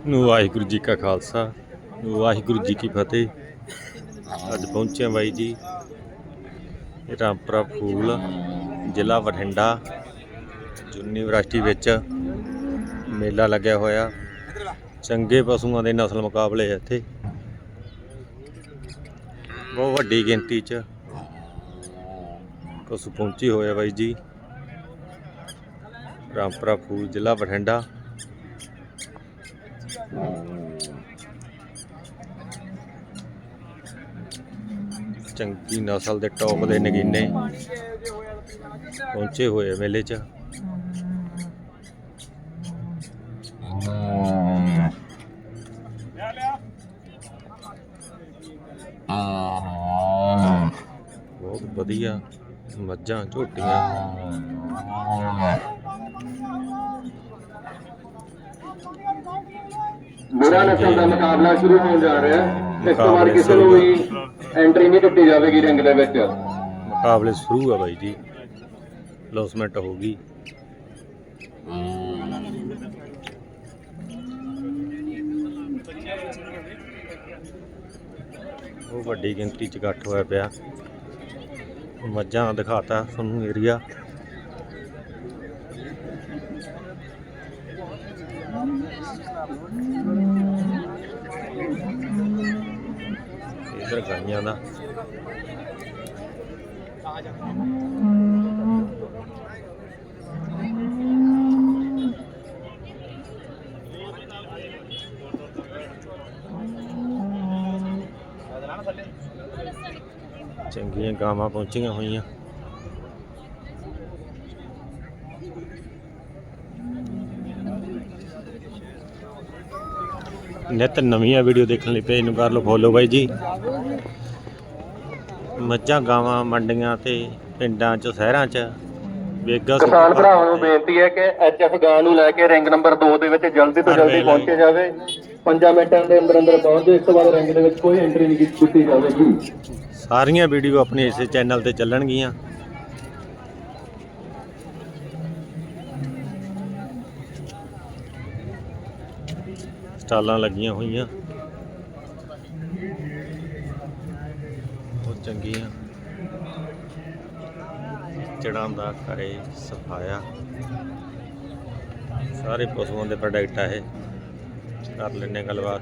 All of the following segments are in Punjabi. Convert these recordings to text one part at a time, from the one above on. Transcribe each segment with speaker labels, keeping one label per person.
Speaker 1: ਵਾਹਿਗੁਰੂ जी का खालसा वाहिगुरू जी की फतेह। अज पहुंचे बाई जी रामपुरा फूल जिला बठिंडा यूनीवर्सिटी विच मेला लग्या होया। चंगे पशुओं के नस्ल मुकाबले इत्थे बहुत वड्डी गिनती च पशु पहुंचे होए बाई जी। रामपुरा फूल जिला बठिंडा चंगी नस्ल के टॉप के नगीने पहुंचे हुए मेले च। बहुत वधिया मज्जां झोटियां
Speaker 2: मेरा नस्ल का मुकाबला शुरू होने जा रहा है। इस बार किसी को भी एंट्री नहीं दी जाएगी रिंग दे विच।
Speaker 1: मुकाबले शुरू है भाई जी, लॉसमेंट होगी। वो वड्डी गिनती च इकट्ठ होया पिया। मज्जां दिखाता तुहानूं एरिया। इधर गाइयां दा चंगियां गावां पहुंचियां होईयां। नित नवीं वीडियो देखने लिए पेज नूं कर लो फॉलो बाई जी। मज्जां गावां मंडियां ते पिंडां च शहरां च वेगा
Speaker 2: किसान भरावां ਨੂੰ ਬੇਨਤੀ ਹੈ ਕਿ ਐਚਐਫ ਗਾਂ ਨੂੰ ਲੈ ਕੇ ਰਿੰਗ ਨੰਬਰ 2 ਦੇ ਵਿੱਚ ਜਲਦੀ ਤੋਂ ਜਲਦੀ ਪਹੁੰਚਿਆ ਜਾਵੇ। 5 ਮਿੰਟਾਂ ਦੇ ਅੰਦਰ ਅੰਦਰ ਪਹੁੰਚ ਜਾਓ। ਇਸ ਤੋਂ ਬਾਅਦ ਰਿੰਗ ਦੇ ਵਿੱਚ ਕੋਈ ਐਂਟਰੀ ਨਹੀਂ ਕੀਤੀ ਜਾਵੇਗੀ।
Speaker 1: ਸਾਰੀਆਂ ਵੀਡੀਓ ਆਪਣੇ ਇਸੇ ਚੈਨਲ ਤੇ ਚੱਲਣਗੀਆਂ। ਸਟਾਲਾਂ ਲੱਗੀਆਂ ਹੋਈਆਂ ਬਹੁਤ ਚੰਗੀਆਂ। ਚੜਾਂ ਦਾ ਘਰੇ ਸਫਾਇਆ ਸਾਰੇ ਪਸ਼ੂਆਂ ਦੇ ਪ੍ਰੋਡਕਟ ਆ ਇਹ। ਕਰ ਲੈਣੇ ਗੱਲਬਾਤ।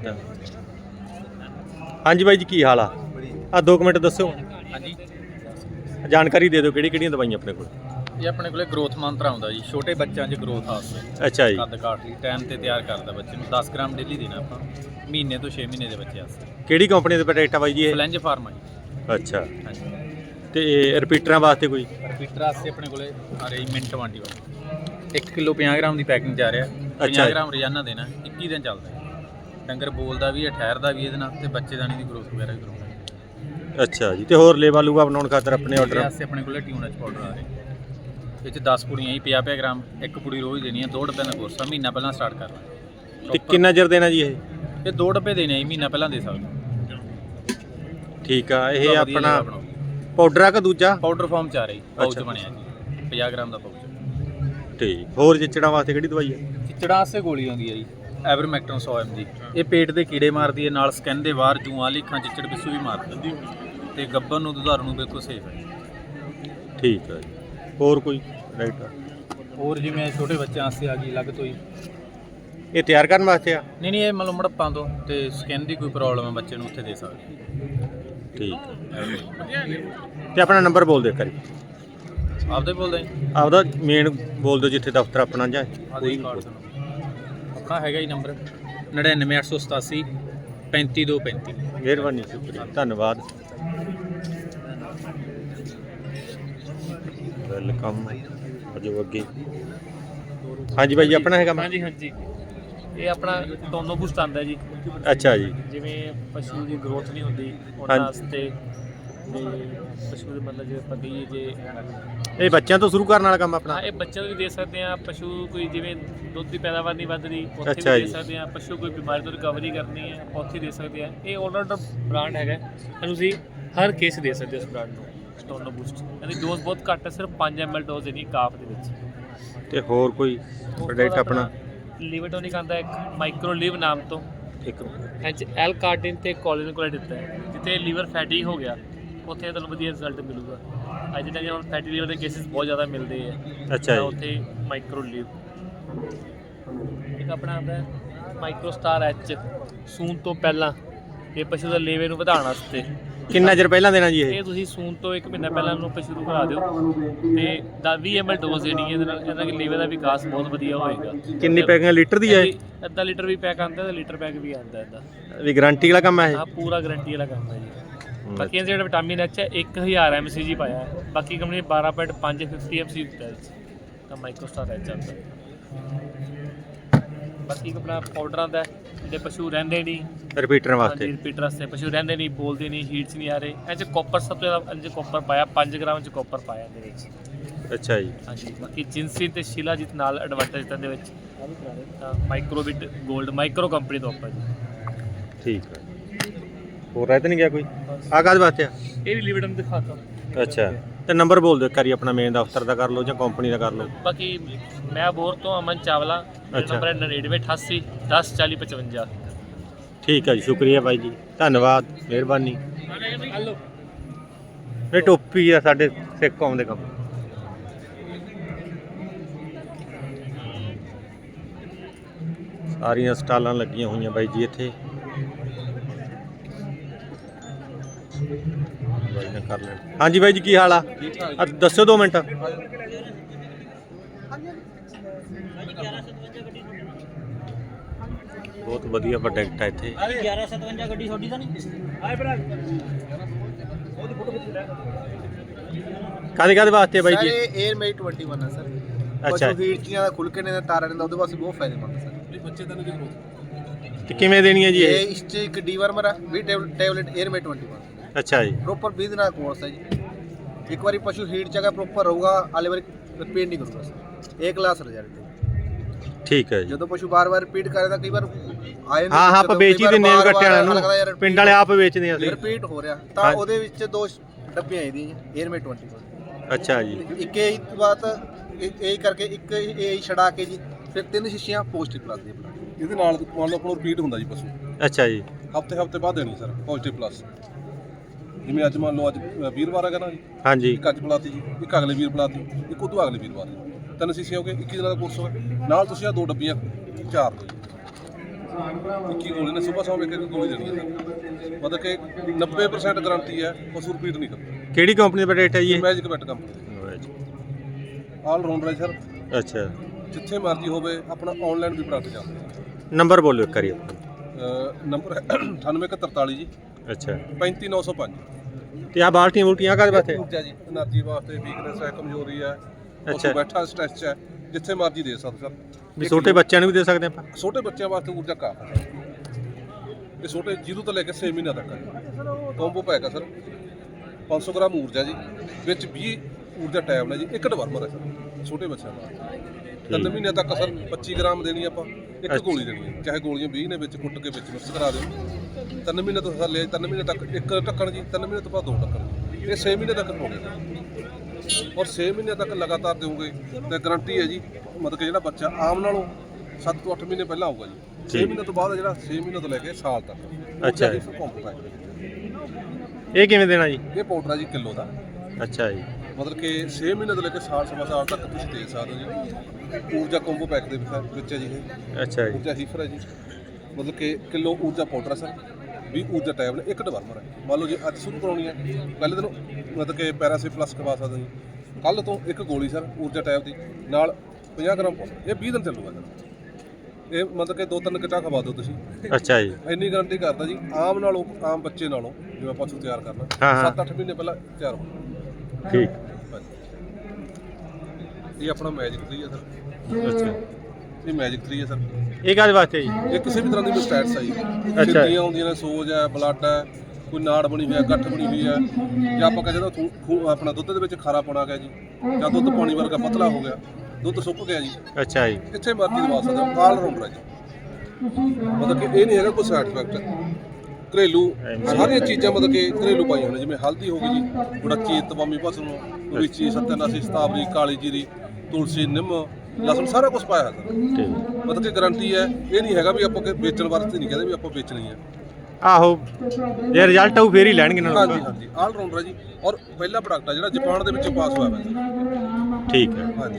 Speaker 1: ਹਾਂਜੀ ਬਾਈ ਜੀ ਕੀ ਹਾਲ ਆ? 2 ਮਿੰਟ ਦੱਸਿਓ।
Speaker 3: ਹਾਂਜੀ
Speaker 1: ਜਾਣਕਾਰੀ ਦੇ ਦਿਓ ਕਿਹੜੀ ਕਿਹੜੀਆਂ ਦਵਾਈਆਂ ਆਪਣੇ ਕੋਲ।
Speaker 3: ਇਹ ਆਪਣੇ ਕੋਲੇ ਗਰੋਥ ਮੰਤਰ ਆਉਂਦਾ ਜੀ, ਛੋਟੇ ਬੱਚਿਆਂ 'ਚ ਗਰੋਥ ਆਸਤੇ
Speaker 1: ਅੱਛਾ ਜੀ।
Speaker 3: ਕੱਦ ਕਾਠ ਲਈ ਟਾਈਮ ਤੇ ਤਿਆਰ ਕਰਦਾ ਬੱਚੇ ਨੂੰ। 10 ਗ੍ਰਾਮ ਡੇਲੀ ਦੇਣਾ ਆਪਾਂ ਮਹੀਨੇ ਤੋਂ 6 ਮਹੀਨੇ ਦੇ ਬੱਚੇ ਵਾਸਤੇ।
Speaker 1: ਕਿਹੜੀ ਕੰਪਨੀ ਦੇ ਪ੍ਰੋਡਕਟ ਆ ਬਾਈ ਜੀ ਇਹ?
Speaker 3: ਫਲੈਂਜ ਫਾਰਮਾ ਜੀ।
Speaker 1: ਅੱਛਾ
Speaker 3: ਹਾਂਜੀ
Speaker 1: ਤੇ ਰਿਪੀਟਰਾਂ ਵਾਸਤੇ ਕੋਈ?
Speaker 3: ਰਿਪੀਟਰ ਵਾਸਤੇ ਆਪਣੇ ਕੋਲੇ ਅਰੇਂਜਮੈਂਟ 21 1 ਕਿਲੋ 50 ਗ੍ਰਾਮ ਦੀ ਪੈਕਿੰਗ ਜਾ ਰਿਹਾ। 50 ਗ੍ਰਾਮ ਰੋਜ਼ਾਨਾ ਦੇਣਾ। 21 ਦਿਨ ਚੱਲਦਾ। ਡੰਗਰ ਬੋਲਦਾ ਵੀ ਹੈ, ਠਹਿਰਦਾ ਵੀ ਇਹਦੇ ਨਾਲ, ਤੇ ਬੱਚੇਦਾਨੀ ਦੀ ਗਰੋਥ ਵਗੈਰਾ ਵੀ ਕਰੂਗਾ।
Speaker 1: ਅੱਛਾ ਜੀ। ਤੇ ਹੋਰ ਲੇਵਾ ਲੂਗਾ ਬਣਾਉਣ ਖਾਤਰ ਆਪਣੇ ਆਰਡਰ
Speaker 3: ਵਾਸਤੇ ਆਪਣੇ ਕੋਲੇ ਟਿਊਨਚ ਪਾਊਡਰ ਆ ਰਿਹਾ। ਇਹ 'ਚ 10 ਪੁੜੀਆਂ ਹੀ 50 ਗ੍ਰਾਮ। ਇੱਕ ਪੁੜੀ ਰੋਜ਼ ਦੇਣੀ ਹੈ। 2 ਡੱਬੇ ਦਾ ਕੋਰਸ ਆ, ਮਹੀਨਾ ਪਹਿਲਾਂ ਸਟਾਰਟ ਕਰਨਾ।
Speaker 1: ਤੇ ਕਿੰਨਾ ਚਿਰ ਦੇਣਾ ਜੀ ਇਹ?
Speaker 3: ਇਹ 2 ਡੱਬੇ ਦੇਣੇ ਆ, ਮਹੀਨਾ ਪਹਿਲਾਂ ਦੇ ਸਕਦੇ।
Speaker 1: ਠੀਕ ਆ। ਇਹ ਆਪਣਾ ਪਾਊਡਰ ਆ ਕਿ ਦੂਜਾ?
Speaker 3: ਪਾਊਡਰ ਫਾਰਮ ਚ ਆ ਰਹੀ ਪਾਊਚ ਬਣਿਆ ਜੀ, 50 ਗ੍ਰਾਮ ਦਾ ਪਾਊਚ।
Speaker 1: ਠੀਕ। ਹੋਰ ਚਿੱਚੜਾਂ ਵਾਸਤੇ ਕਿਹੜੀ ਦਵਾਈ ਹੈ?
Speaker 3: ਚਿੱਚੜਾਂ ਵਾਸਤੇ ਗੋਲੀ ਆਉਂਦੀ ਹੈ ਜੀ, ਐਵਰਮੈਕਟਨ 100 mg। ਇਹ ਪੇਟ ਦੇ ਕੀੜੇ ਮਾਰਦੀ ਹੈ, ਨਾਲ ਸਕੈਨ ਦੇ ਬਾਹਰ ਜੂਆਂ ਲੀਖਾਂ ਚਿੱਚੜ ਪਿੱਛੂ ਵੀ ਮਾਰਦੀ ਹੈ, ਤੇ ਗੱਭਣ ਨੂੰ ਦੁਧਾਰੂ ਨੂੰ ਬਿਲਕੁਲ ਸੇਫ ਹੈ।
Speaker 1: ਠੀਕ ਹੈ ਜੀ। ਹੋਰ ਕੋਈ ਰਾਈਟ?
Speaker 3: ਹੋਰ ਜਿਵੇਂ ਛੋਟੇ ਬੱਚਿਆਂ ਵਾਸਤੇ ਆ ਗਈ ਅਲੱਗ ਤੋਂ ਹੀ।
Speaker 1: ਇਹ ਤਿਆਰ ਕਰਨ ਵਾਸਤੇ ਆ?
Speaker 3: ਨਹੀਂ ਇਹ ਮਤਲਬ ਮੜੱਪਾਂ ਤੋਂ ਤੇ ਸਕੈਨ ਦੀ ਕੋਈ ਪ੍ਰੋਬਲਮ ਹੈ ਬੱਚੇ ਨੂੰ ਉੱਥੇ ਦੇ ਸਕਦੇ।
Speaker 1: ਠੀਕ। ਤੇ ਆਪਣਾ ਨੰਬਰ ਬੋਲ ਦਿਓ ਕਰੀ।
Speaker 3: ਆਪਦੇ ਬੋਲਦਾ ਜੀ?
Speaker 1: ਆਪਦਾ ਮੇਨ ਬੋਲ ਦਿਓ ਜਿੱਥੇ ਦਫ਼ਤਰ ਆਪਣਾ ਜਾਂ
Speaker 3: ਕੋਈ ਆਪਣਾ ਹੈਗਾ ਜੀ ਨੰਬਰ 99887 35235।
Speaker 1: ਮਿਹਰਬਾਨੀ, ਸ਼ੁਕਰੀਆ, ਧੰਨਵਾਦ, ਵੈਲਕਮ। ਅਜੋ ਅੱਗੇ। ਹਾਂਜੀ ਬਾਈ ਜੀ ਆਪਣਾ ਹੈਗਾ?
Speaker 4: ਹਾਂਜੀ ਹਾਂਜੀ, ਇਹ ਆਪਣਾ ਟੋਨੋ ਬੂਸਟ ਆਉਂਦਾ ਜੀ।
Speaker 1: ਅੱਛਾ ਜੀ।
Speaker 4: ਜਿਵੇਂ ਪਸ਼ੂ ਦੀ ਗਰੋਥ ਨਹੀਂ ਹੁੰਦੀ ਉਹਨਾਂ ਵਾਸਤੇ, ਤੇ ਪਸ਼ੂ ਦੇ ਮਤਲਬ ਜੇ ਆਪਾਂ ਕਹੀਏ ਜੇ
Speaker 1: ਇਹ ਬੱਚਿਆਂ ਤੋਂ ਸ਼ੁਰੂ ਕਰਨ ਵਾਲਾ ਕੰਮ ਆਪਣਾ?
Speaker 4: ਹਾਂ, ਇਹ ਬੱਚਿਆਂ ਨੂੰ ਵੀ ਦੇ ਸਕਦੇ ਆ। ਪਸ਼ੂ ਕੋਈ ਜਿਵੇਂ ਦੁੱਧ ਦੀ ਪੈਦਾਵਾਰ ਨਹੀਂ ਵੱਧਦੀ ਉੱਥੇ
Speaker 1: ਅੱਛਾ
Speaker 4: ਵੀ ਦੇ
Speaker 1: ਜੀ।
Speaker 4: ਸਕਦੇ ਆ। ਪਸ਼ੂ ਕੋਈ ਬਿਮਾਰੀ ਤੋਂ ਰਿਕਵਰੀ ਕਰਨੀ ਹੈ ਉੱਥੇ ਦੇ ਸਕਦੇ ਆ। ਇਹ ਆਲਰਾਊਂਡਰ ਬ੍ਰਾਂਡ ਹੈਗਾ, ਤੁਸੀਂ ਹਰ ਕੇਸ ਦੇ ਸਕਦੇ ਹੋ ਇਸ ਬ੍ਰਾਂਡ ਨੂੰ। ਟੋਨੋ ਬੂਸਟ ਇਹਦੀ ਡੋਜ਼ ਬਹੁਤ ਘੱਟ ਹੈ, ਸਿਰਫ 5 ml ਡੋਜ਼ ਦੇਣੀ ਕਾਫ ਦੇ ਵਿੱਚ।
Speaker 1: ਤੇ ਹੋਰ ਕੋਈ ਪ੍ਰੋਡਕਟ ਆਪਣਾ?
Speaker 4: ਲੀਵਰ ਟੋਨਿਕ ਆਉਂਦਾ ਇੱਕ ਮਾਈਕਰੋ ਲਿਵ ਨਾਮ ਤੋਂ,
Speaker 1: ਇੱਕ
Speaker 4: ਇਹ 'ਚ ਐਲ ਕਾਰਟਿਨ ਤੇ ਕੋਲਿਨ ਕੋਲੇ ਦਿੱਤਾ ਹੈ। ਜਿੱਥੇ ਲੀਵਰ ਫੈਟੀ ਹੋ ਗਿਆ ਉੱਥੇ ਤੁਹਾਨੂੰ ਵਧੀਆ ਰਿਜ਼ਲਟ ਮਿਲੂਗਾ। ਅੱਜ ਜਿੱਦਾਂ ਕਿ ਹੁਣ ਫੈਟੀ ਲੀਵਰ ਦੇ ਕੇਸਿਸ ਬਹੁਤ ਜ਼ਿਆਦਾ ਮਿਲਦੇ ਆ,
Speaker 1: ਅੱਛਾ
Speaker 4: ਤਾਂ
Speaker 1: ਜੀ
Speaker 4: ਉੱਥੇ ਮਾਈਕਰੋ ਲਿਵ। ਇੱਕ ਆਪਣਾ ਆਉਂਦਾ ਮਾਈਕਰੋ ਸਟਾਰ ਐਚ, ਸੂਣ ਤੋਂ ਪਹਿਲਾਂ ਇਹ ਪਸ਼ੂ ਦਾ ਲੇਵੇ ਨੂੰ ਵਧਾਉਣ ਵਾਸਤੇ।
Speaker 1: ਕਿੰਨਾ ਚਿਰ ਪਹਿਲਾਂ ਦੇਣਾ ਜੀ ਇਹ
Speaker 4: ਇਹ ਤੁਸੀਂ ਸੂਣ ਤੋਂ 1 ਮਹੀਨਾ ਪਹਿਲਾਂ ਨੂੰ ਸ਼ੁਰੂ ਕਰਾ ਦਿਓ ਤੇ 20 ml ਡੋਜ਼ ਦੇਣੀ ਹੈ। ਇਹਦੇ ਨਾਲ ਇਹਦਾ ਕਿ ਲੀਵਰ ਦਾ ਵਿਕਾਸ ਬਹੁਤ ਵਧੀਆ ਹੋਏਗਾ।
Speaker 1: ਕਿੰਨੀ ਪੈਕਿੰਗ ਲੀਟਰ ਦੀ ਹੈ ਇਹ?
Speaker 4: ਅੱਧਾ ਲੀਟਰ ਵੀ ਪੈਕ ਆਉਂਦਾ ਤੇ ਲੀਟਰ ਪੈਕ ਵੀ ਆਉਂਦਾ ਇਹਦਾ।
Speaker 1: ਵੀ ਗਾਰੰਟੀ ਵਾਲਾ ਕੰਮ ਹੈ ਇਹ?
Speaker 4: ਹਾਂ ਪੂਰਾ ਗਾਰੰਟੀ ਵਾਲਾ ਕੰਮ ਹੈ ਜੀ। ਬਾਕੀ ਇਹਦਾ ਜਿਹੜਾ ਵਿਟਾਮਿਨ ਐਚ ਹੈ 1000 mcg ਪਾਇਆ ਹੈ, ਬਾਕੀ ਕੰਪਨੀ ਨੇ 12.5 50 mcg ਦਿੱਤਾ ਹੈ ਤਾਂ ਮਾਈਕਰੋ ਸਟਾਰ ਐਚ ਆਉਂਦਾ। ਬਾਕੀ ਇੱਕ ਆਪਣਾ ਪਾਊਡਰ ਆਉਂਦਾ ਜਿਹੜੇ ਪਸ਼ੂ ਰਹਿੰਦੇ ਨਹੀਂ
Speaker 1: ਰਿਪੀਟਰ ਵਾਸਤੇ,
Speaker 4: ਰਿਪੀਟਰ ਵਾਸਤੇ, ਪਸ਼ੂ ਰਹਿੰਦੇ ਨਹੀਂ, ਬੋਲਦੇ ਨਹੀਂ, ਹੀਟ 'ਚ ਨਹੀਂ ਆ ਰਹੇ। ਇਹ 'ਚ ਕਾਪਰ ਸਭ ਤੋਂ ਜ਼ਿਆਦਾ, ਇਹ 'ਚ ਕਾਪਰ ਪਾਇਆ 5 ਗ੍ਰਾਮ 'ਚ ਕਾਪਰ ਪਾਇਆ ਇਹਦੇ ਵਿੱਚ।
Speaker 1: ਅੱਛਾ ਜੀ
Speaker 4: ਹਾਂਜੀ ਬਾਕੀ ਜਿੰਸੀ ਤੇ ਸ਼ਿਲਾਜੀਤ ਨਾਲ ਐਡਵਾਂਟੇਜ ਤਾਂ ਦੇ ਵਿੱਚ ਤਾਂ ਮਾਈਕਰੋਬਿਟ 골ਡ ਮਾਈਕਰੋ ਕੰਪਨੀ ਤੋਂ ਆਪਾਂ ਜੀ।
Speaker 1: ਠੀਕ ਹੈ, ਹੋਰ ਰਹਿ ਤਾਂ ਨਹੀਂ ਗਿਆ ਕੋਈ? ਆ ਕਾਹਦੇ ਵਾਸਤੇ ਆ?
Speaker 4: ਇਹ ਵੀ ਲਿਵਿਡਨ ਦਿਖਾਤਾ।
Speaker 1: ਅੱਛਾ, ਤੇ ਨੰਬਰ ਬੋਲ ਦਿਓ ਇੱਕ ਵਾਰੀ ਆਪਣਾ, ਮੇਨ ਦਫ਼ਤਰ ਦਾ ਕਰ ਲਓ ਜਾਂ ਕੰਪਨੀ ਦਾ ਕਰ ਲਓ।
Speaker 4: ਬਾਕੀ ਮੈਂ ਬੋਰ ਤੋਂ ਅਮਨ ਚਾਵਲਾ,
Speaker 1: ਅੱਛਾ।
Speaker 4: ਨੰਬਰ ਹੈ 9988 10 40 55।
Speaker 1: ਠੀਕ ਹੈ ਜੀ, ਸ਼ੁਕਰੀਆ ਬਾਈ ਜੀ, ਧੰਨਵਾਦ, ਮਿਹਰਬਾਨੀ।
Speaker 4: ਹਲੋ
Speaker 1: ਇਹ ਟੋਪੀ ਆ ਸਾਡੇ ਸਿੱਖ ਕੌਮ ਦੇ ਕੰਮ। ਸਾਰੀਆਂ ਸਟਾਲਾਂ ਲੱਗੀਆਂ ਹੋਈਆਂ ਬਾਈ ਜੀ ਇੱਥੇ। ਬਾਈ ਨੇ ਕਰ ਲੈਣ। ਹਾਂਜੀ ਬਾਈ ਜੀ ਕੀ ਹਾਲ ਆ? ਦੱਸਿਓ 2 ਮਿੰਟ। ਬਹੁਤ ਵਧੀਆ ਪ੍ਰੋਡਕਟ ਹੈ ਇੱਥੇ।
Speaker 5: 1157 ਗੱਡੀ ਛੋਡੀ ਤਾਂ ਨਹੀਂ ਆਏ ਭਰਾ
Speaker 1: ਕਾਹਦੇ ਵਾਸਤੇ ਬਾਈ ਜੀ?
Speaker 6: ਸਰ ਇਹ 에ਅਰਮੇਟ 21 ਹੈ ਸਰ।
Speaker 1: ਅੱਛਾ
Speaker 6: ਪਸ਼ੂ ਹੀਟ ਚੀਜ਼ਾਂ ਦਾ ਖੁੱਲ ਕੇ ਨੇ ਤਾਰਾ ਨੇ ਉਹਦੇ ਵਾਸਤੇ ਬਹੁਤ ਫਾਇਦੇਮੰਦ ਸਰ।
Speaker 1: ਤੇ ਕਿਵੇਂ ਦੇਣੀ ਹੈ ਜੀ
Speaker 6: ਇਹ
Speaker 1: ਇਹ?
Speaker 6: ਇਸ ਚ ਇੱਕ ਡੀਵਰਮਰ ਹੈ ਵੀ ਟੈਬਲੇਟ 에ਅਰਮੇਟ 21
Speaker 1: ਅੱਛਾ ਜੀ,
Speaker 6: ਪ੍ਰੋਪਰ 20 ਦਿਨਾਂ ਦਾ ਕੋਰਸ ਹੈ ਜੀ। ਇੱਕ ਵਾਰੀ ਪਸ਼ੂ ਹੀਟ ਚ ਅगर ਪ੍ਰੋਪਰ ਰਹੂਗਾ ਆਲੇ ਵਾਰੀ ਰਿਪੀਟ ਨਹੀਂ ਕਰੂਗਾ ਸਰ। 1 ਕਲਾਸ ਰਿਜ਼ਲਟ
Speaker 1: ਠੀਕ ਹੈ ਜੀ।
Speaker 6: ਜਦੋਂ ਪਸ਼ੂ ਬਾਰ-ਬਾਰ ਰਿਪੀਟ ਕਰੇ ਤਾਂ ਕਈ ਵਾਰ ਆਏ
Speaker 1: ਹਾਂ ਹਾਂ, ਆਪਾਂ ਵੇਚ ਹੀ ਦਿੰਦੇ ਹਾਂ ਕੱਟਿਆਂ ਵਾਲਿਆਂ ਨੂੰ, ਪਿੰਡ ਵਾਲੇ ਆਪ ਵੇਚਦੇ ਆ ਅਸੀਂ।
Speaker 6: ਰਿਪੀਟ ਹੋ ਰਿਹਾ ਤਾਂ
Speaker 1: ਹਾਂ।
Speaker 6: ਉਹਦੇ ਵਿੱਚ 2 ਡੱਬੀਆਂ ਇਹਦੀਆਂ 에ਅਰਮੇਟ 21।
Speaker 1: ਅੱਛਾ ਜੀ,
Speaker 6: ਇੱਕ ਇਹ ਤੋਂ ਬਾਅਦ ਇਹ ਕਰਕੇ ਇੱਕ ਇਹ ਛੜਾ ਕੇ ਜੀ ਫਿਰ 3 ਸ਼ੀਸ਼ੀਆਂ ਪੋਜ਼ਿਟਿਵ ਪਲੱਸ ਦੀ ਬਣਾ।
Speaker 7: ਇਹਦੇ ਨਾਲ ਮੰਨ ਲਓ ਆਪਣਾ ਰਿਪੀਟ ਹੁੰਦਾ ਜੀ ਪਸ਼ੂ
Speaker 1: ਅੱਛਾ ਜੀ,
Speaker 7: ਹਫਤੇ ਬਾਅਦ ਦੇਣੀ ਸਰ ਪੋਜ਼ਿਟਿਵ ਪਲੱਸ। ਜਿਵੇਂ ਅੱਜ ਮੰਨ ਲਓ ਅੱਜ ਵੀਰਵਾਰ ਹੈਗਾ ਨਾ ਜੀ,
Speaker 1: ਹਾਂਜੀ
Speaker 7: ਇੱਕ ਅੱਜ ਪਲਾਤੀ ਜੀ, ਇੱਕ ਅਗਲੇ ਵੀਰ ਪਲਾਤੀ, ਇੱਕ ਉਦੋਂ ਅਗਲੇ ਵੀਰਵਾਰ। 3 ਸ਼ੀਸ਼ੀਆਂ ਹੋ ਗਏ, 21 ਦਿਨਾਂ ਦਾ ਕੋਰਸ ਹੋ ਗਿਆ। ਨਾਲ ਤੁਸੀਂ ਆ 2 ਡੱਬੀਆਂ 4 ਦੋ ਜੀ। 21 ਗੋਲੀ ਨੇ ਸੁਬਾਹ ਸ਼ਾਮ ਇੱਕ ਗੋਲੀ ਦੇਣੀ ਹੈ ਸਰ। ਮਤਲਬ ਕਿ 90% ਗਾਰੰਟੀ ਹੈ ਪਸ਼ੂ ਰਿਪੀਟ ਨਹੀਂ ਕਰਦਾ।
Speaker 1: ਕਿਹੜੀ ਕੰਪਨੀ ਦਾ ਪ੍ਰੋਡਕਟ ਹੈ ਜੀ ਇਹ?
Speaker 7: Magic bat company all rounder ਹੈ ਸਰ।
Speaker 1: ਅੱਛਾ,
Speaker 7: ਜਿੱਥੇ ਮਰਜ਼ੀ ਹੋਵੇ ਆਪਣਾ ਆਨਲਾਈਨ ਵੀ ਪ੍ਰੋਡਕਟ ਚੱਲਦਾ।
Speaker 1: ਨੰਬਰ ਬੋਲਿਓ ਇੱਕ ਵਾਰੀ ਆਪਣਾ।
Speaker 7: ਨੰਬਰ ਹੈ 9843 ਜੀ
Speaker 1: ਅੱਛਾ,
Speaker 7: 35905।
Speaker 1: ਤੇ ਆ ਬਾਲਟੀਆਂ ਬੂਟੀਆਂ ਕਾਹਦੇ ਵਾਸਤੇ?
Speaker 7: ਊਰਜਾ ਜੀ, એનર્ਜੀ ਵਾਸਤੇ, ਵੀਕਨੈਸ ਹੈ, ਕਮਜ਼ੋਰੀ ਹੈ,
Speaker 1: ਅੱਛਾ।
Speaker 7: ਉੱਥੇ ਬੈਠਾ ਸਟ੍ਰੈਚ ਹੈ, ਜਿੱਥੇ ਮਰਜ਼ੀ ਦੇ ਸਕਦੇ ਸਰ।
Speaker 1: ਵੀ ਛੋਟੇ ਬੱਚਿਆਂ ਨੂੰ ਵੀ ਦੇ ਸਕਦੇ ਆਪਾਂ?
Speaker 7: ਛੋਟੇ ਬੱਚਿਆਂ ਵਾਸਤੇ ਊਰਜਾ ਕਾਫੀ ਹੈ। ਇਹ ਛੋਟੇ 0 ਤੋਂ ਲੈ ਕੇ 6 ਮਹੀਨਿਆਂ ਤੱਕ ਹੈ। ਕੰਬੋ ਪੈਕ ਹੈ ਸਰ। 500 ਗ੍ਰਾਮ ਊਰਜਾ ਜੀ, ਵਿੱਚ 20 ਊਰਜਾ ਟੈਬ ਹੈ ਜੀ, ਇੱਕ ਡਵਰਮਰ ਹੈ ਸਰ ਛੋਟੇ ਬੱਚਿਆਂ ਦਾ। 3 ਮਹੀਨਿਆਂ ਤੱਕ ਸਰ 25 ਗ੍ਰਾਮ ਦੇਣੀ ਆਪਾਂ, ਇੱਕ ਗੋਲੀ ਦੇਣੀ ਹੈ। ਚਾਹੇ ਗੋਲੀਆਂ 20 ਨੇ ਵਿੱਚ ਕੁੱਟ ਕੇ ਵਿੱਚ ਮਿਕਸ ਕਰਾ ਦਿਓ। 3 ਮਹੀਨੇ ਤੋਂ ਥੱਲੇ 3 ਮਹੀਨੇ ਤੱਕ ਇੱਕ ਢੱਕਣ ਜੀ, 3 ਮਹੀਨੇ ਤੋਂ ਬਾਅਦ 2 ਢੱਕਣ ਜੀ। ਇਹ 6 ਮਹੀਨੇ ਤੱਕ ਹੋਣਗੇ ਔਰ 6 ਮਹੀਨੇ ਤੱਕ ਲਗਾਤਾਰ ਦੇਵੋਗੇ ਤੇ ਗਾਰੰਟੀ ਹੈ ਜੀ। ਮਤਲਬ ਕਿ ਜਿਹੜਾ ਬੱਚਾ ਆਮ ਨਾਲੋਂ 7 ਤੋਂ 8 ਮਹੀਨੇ ਪਹਿਲਾਂ ਆਊਗਾ ਜੀ। 6 ਮਹੀਨੇ ਤੋਂ ਬਾਅਦ ਜਿਹੜਾ 6 ਮਹੀਨੇ ਤੋਂ ਲੈ ਕੇ ਸਾਲ ਤੱਕ।
Speaker 1: ਅੱਛਾ ਜੀ।
Speaker 7: ਕੰਪੋ ਪੈਕ
Speaker 1: ਇਹ ਕਿਵੇਂ ਦੇਣਾ ਜੀ?
Speaker 7: ਇਹ ਪਾਊਡਰ ਹੈ ਜੀ ਕਿਲੋ ਦਾ।
Speaker 1: ਅੱਛਾ ਜੀ,
Speaker 7: ਮਤਲਬ ਕਿ 6 ਮਹੀਨੇ ਤੋਂ ਲੈ ਕੇ ਸਾਲ ਤੱਕ ਤੁਸੀਂ ਦੇ ਸਕਦੇ ਹੋ ਜੀ। ਊਰਜਾ ਕੰਬੋ ਪੈਕ ਦੇ ਵਿੱਚ ਹੈ ਜੀ ਇਹ।
Speaker 1: ਅੱਛਾ ਜੀ,
Speaker 7: ਊਰਜਾ ਹੀਫਰ ਹੈ ਜੀ। ਮਤਲਬ ਕਿ ਕਿਲੋ ਊਰਜਾ ਪਾਊਡਰ ਹੈ ਸਰ, 20 ਊਰਜਾ ਟੈਬ ਨੇ, ਇੱਕ ਡਵਰਮਰ ਹੈ। ਮੰਨ ਲਓ ਜੀ ਅੱਜ ਸ਼ੁਰੂ ਕਰਾਉਣੀ ਹੈ, ਪਹਿਲੇ ਦਿਨ ਮਤਲਬ ਕਿ ਪੈਰਾਸੇ ਪਲੱਸ ਕਰਵਾ ਸਕਦੇ ਜੀ। ਕੱਲ੍ਹ ਤੋਂ ਇੱਕ ਗੋਲੀ ਸਰ ਊਰਜਾ ਟੈਬ ਦੀ ਨਾਲ 50 ਗ੍ਰਾਮ ਪਾਊਡਰ। ਇਹ 20 ਦਿਨ ਚੱਲੂਗਾ ਸਰ। ਇਹ ਮਤਲਬ ਕਿ 2-3 ਕਿੱਟਾਂ ਖਵਾ ਦਿਓ ਤੁਸੀਂ।
Speaker 1: ਅੱਛਾ ਜੀ,
Speaker 7: ਇੰਨੀ ਗਾਰੰਟੀ ਕਰਦਾ ਜੀ। ਆਮ ਨਾਲੋਂ, ਆਮ ਬੱਚੇ ਨਾਲੋਂ ਜਿਵੇਂ ਪਸ਼ੂ ਤਿਆਰ ਕਰਨਾ
Speaker 1: ਹਾਂ, ਹਾਂ।
Speaker 7: 7-8 ਮਹੀਨੇ ਪਹਿਲਾਂ ਤਿਆਰ ਹੋਣਾ।
Speaker 1: ਠੀਕ।
Speaker 7: ਇਹ ਆਪਣਾ ਮੈਜਿਕ 3 ਹੈ ਸਰ।
Speaker 1: ਅੱਛਾ,
Speaker 7: ਇਹ ਮੈਜਿਕ 3 ਹੈ ਸਰ।
Speaker 1: ਇਹ ਕਾਹਦੇ ਵਾਸਤੇ ਜੀ?
Speaker 7: ਇਹ ਕਿਸੇ ਵੀ ਤਰ੍ਹਾਂ ਦੀ ਸਟੈਟਸ ਆ ਜੀ। ਸਿੱਧੀਆਂ ਆਉਂਦੀਆਂ ਨੇ, ਸੋਜ ਹੈ, ਬਲੱਡ ਹੈ, ਕੋਈ ਨਾੜ ਬਣੀ ਹੋਈ ਹੈ, ਗੱਠ ਬਣੀ ਹੋਈ ਹੈ, ਜਾਂ ਆਪਾਂ ਕਹਿੰਦੇ ਆਪਣਾ ਦੁੱਧ ਦੇ ਵਿੱਚ ਖਾਰਾ ਪਾਉਣਾ ਗਿਆ ਜੀ, ਜਾਂ ਦੁੱਧ ਪਾਣੀ ਵਰਗਾ ਪਤਲਾ ਹੋ ਗਿਆ, ਦੁੱਧ ਸੁੱਕ ਗਿਆ ਜੀ,
Speaker 1: ਅੱਛਾ ਜੀ,
Speaker 7: ਕਿੱਥੇ ਮਰਜ਼ੀ ਦਵਾ ਸਕਦੇ ਹੋ। ਆਲ ਰਾਉਂਡਰ ਹੈ ਜੀ। ਮਤਲਬ ਕਿ ਇਹ ਨਹੀਂ ਹੈਗਾ ਕੋਈ ਸਾਈਡ ਇਫੈਕਟ। ਘਰੇਲੂ ਸਾਰੀਆਂ ਚੀਜ਼ਾਂ ਮਤਲਬ ਕਿ ਘਰੇਲੂ ਪਾਈਆਂ ਹੋਈਆਂ, ਜਿਵੇਂ ਹਲਦੀ ਹੋ ਗਈ ਜੀ, ਗੁੜਚੀ, ਤਵਾਮੀ ਭਸਮ, ਵਿੱਚ ਸੱਤਨਾਸੀ, ਸਤਾਵਰੀ, ਕਾਲੀ ਜੀਰੀ, ਤੁਲਸੀ, ਨਿੰਮ, ਲਸਣ ਸਾਰਾ ਕੁਝ ਪਾਇਆ ਸਰ।
Speaker 1: ਠੀਕ
Speaker 7: ਮਤਲਬ ਕਿ ਗਾਰੰਟੀ ਹੈ, ਇਹ ਨਹੀਂ ਹੈਗਾ ਵੀ ਆਪਾਂ ਕਿ ਵੇਚਣ ਵਾਸਤੇ ਨਹੀਂ ਕਹਿੰਦੇ ਵੀ ਆਪਾਂ ਵੇਚਣੀ ਹੈ।
Speaker 1: ਆਹੋ ਜੇ ਰਿਜ਼ਲਟ ਆਊ ਫੇਰ ਹੀ ਲੈਣਗੇ ਨਾ
Speaker 7: ਹਾਂਜੀ
Speaker 1: ਲੋਕ।
Speaker 7: ਹਾਂਜੀ ਆਲ ਰਾਊਂਡਰ ਹੈ ਜੀ, ਔਰ ਪਹਿਲਾ ਪ੍ਰੋਡਕਟ ਆ ਜਿਹੜਾ ਜਾਪਾਨ ਦੇ ਵਿੱਚ ਪਾਸ ਹੋਇਆ ਹੈ
Speaker 1: ਠੀਕ ਹੈ।
Speaker 7: ਹਾਂਜੀ।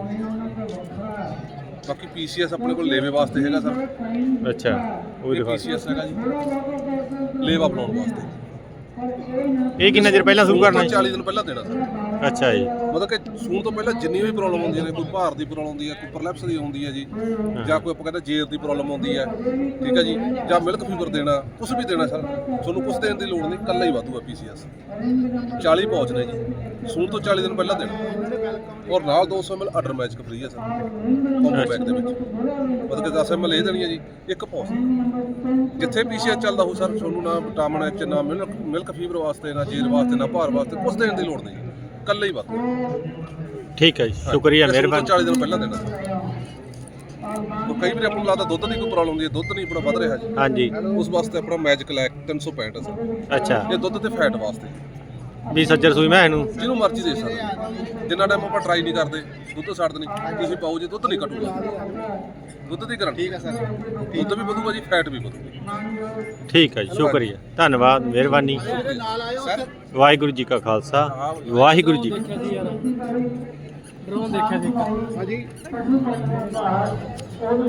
Speaker 7: ਬਾਕੀ ਪੀਸੀਐਸ ਆਪਣੇ ਕੋਲ ਲੇਵੇ ਵਾਸਤੇ ਹੈਗਾ ਸਰ।
Speaker 1: ਅੱਛਾ ਉਹ ਦਿਖਾ
Speaker 7: ਪੀਸੀਐਸ ਹੈਗਾ ਜੀ ਲੇਵਾ ਬਣਾਉਣ ਵਾਸਤੇ।
Speaker 1: ਇਹ ਕਿੰਨਾ ਚਿਰ ਪਹਿਲਾਂ ਸ਼ੁਰੂ ਕਰਨਾ ਜੀ?
Speaker 7: 40 ਦਿਨ ਪਹਿਲਾਂ ਦੇਣਾ ਸਰ।
Speaker 1: ਅੱਛਾ ਜੀ।
Speaker 7: ਮਤਲਬ ਕਿ ਸੂਣ ਤੋਂ ਪਹਿਲਾਂ ਜਿੰਨੀ ਵੀ ਪ੍ਰੋਬਲਮ ਹੁੰਦੀਆਂ ਨੇ, ਕੋਈ ਭਾਰ ਦੀ ਪ੍ਰੋਬਲਮ ਹੁੰਦੀ ਹੈ, ਕੋਈ ਪ੍ਰਲੈਪਸ ਦੀ ਹੁੰਦੀ ਹੈ ਜੀ, ਜਾਂ ਕੋਈ ਆਪਾਂ ਕਹਿੰਦੇ ਜੇਰ ਦੀ ਪ੍ਰੋਬਲਮ ਹੁੰਦੀ ਹੈ, ਠੀਕ ਹੈ ਜੀ, ਜਾਂ ਮਿਲਕ ਫੀਵਰ ਦੇਣਾ, ਕੁਝ ਵੀ ਦੇਣਾ ਸਰ, ਤੁਹਾਨੂੰ ਕੁਝ ਦੇਣ ਦੀ ਲੋੜ ਨਹੀਂ, ਇਕੱਲਾ ਹੀ ਵਾਧੂ ਹੈ ਪੀਸੀਐਸ। 40 ਪੌਚ ਨੇ ਜੀ, ਸੂਣ ਤੋਂ 40 ਦਿਨ ਪਹਿਲਾਂ ਦੇਣਾ, ਔਰ ਨਾਲ 200 ml ਅਡਰ ਮੈਜਿਕ ਫ੍ਰੀ ਹੈ ਸਰ ਕੰਬੋ ਪੈਕ ਦੇ ਵਿੱਚ। ਮਤਲਬ ਕਿ 10 ml ਇਹ ਦੇਣੀ ਹੈ ਜੀ, ਇੱਕ ਪੌਚ। ਜਿੱਥੇ ਪੀਸੀਐਸ ਚੱਲਦਾ ਹੋ ਸਰ, ਤੁਹਾਨੂੰ ਨਾ ਵਿਟਾਮਿਨ ਐਚ, ਨਾ ਮਿਲਕ ਫੀਵਰ ਵਾਸਤੇ, ਨਾ ਜੇਰ ਵਾਸਤੇ, ਨਾ ਭਾਰ ਵਾਸਤੇ ਕੁਝ ਦੇਣ ਦੀ ਲੋੜ ਨਹੀਂ, ਇਕੱਲਾ ਹੀ ਵਾਧੂ।
Speaker 1: ਠੀਕ ਹੈ ਜੀ, ਸ਼ੁਕਰੀਆ, ਮਿਹਰਬਾਨੀ।
Speaker 7: 40 ਦਿਨ ਪਹਿਲਾਂ ਦੇਣਾ ਸਰ। ਉਹ ਕਈ ਵਾਰੀ ਆਪਾਂ ਨੂੰ ਲੱਗਦਾ ਦੁੱਧ ਦੀ ਕੋਈ ਪ੍ਰੋਬਲਮ ਹੁੰਦੀ ਹੈ, ਦੁੱਧ ਨਹੀਂ ਆਪਣਾ ਵੱਧ ਰਿਹਾ ਜੀ,
Speaker 1: ਹਾਂਜੀ
Speaker 7: ਉਸ ਵਾਸਤੇ ਆਪਣਾ ਮੈਜਿਕ ਲੈਕ 365 ਹੈ ਸਰ।
Speaker 1: ਅੱਛਾ
Speaker 7: ਇਹ ਦੁੱਧ ਤੇ ਫੈਟ ਵਾਸਤੇ
Speaker 1: ਵੀ ਸੱਜਰ ਸੂਈ ਮੈਂ ਇਹਨੂੰ
Speaker 7: ਜਿਹਨੂੰ ਮਰਜ਼ੀ ਦੇ ਸਕਦੇ। ਜਿੰਨਾ ਟਾਈਮ ਆਪਾਂ ਟਰਾਈ ਨਹੀਂ ਕਰਦੇ ਦੁੱਧ ਛੱਡ ਨਹੀਂ, ਤੁਸੀਂ ਪਾਓ ਜੀ ਦੁੱਧ ਨਹੀਂ ਘਟੂਗਾ, ਦੁੱਧ ਦੀ ਗਰੰਟੀ। ਠੀਕ ਹੈ ਸਰ, ਦੁੱਧ ਵੀ ਵਧੂਗਾ ਜੀ, ਫੈਟ ਵੀ ਵਧੂਗੀ।
Speaker 1: ਠੀਕ ਹੈ ਜੀ, ਸ਼ੁਕਰੀਆ, ਧੰਨਵਾਦ, ਮਿਹਰਬਾਨੀ। ਵਾਹਿਗੁਰੂ ਜੀ ਕਾ ਖਾਲਸਾ, ਵਾਹਿਗੁਰੂ ਜੀ ਕੀ ਫਤਿਹ।
Speaker 4: ਡਰੋਨ ਦੇਖਿਆ ਸੀ।
Speaker 6: हाँ जी।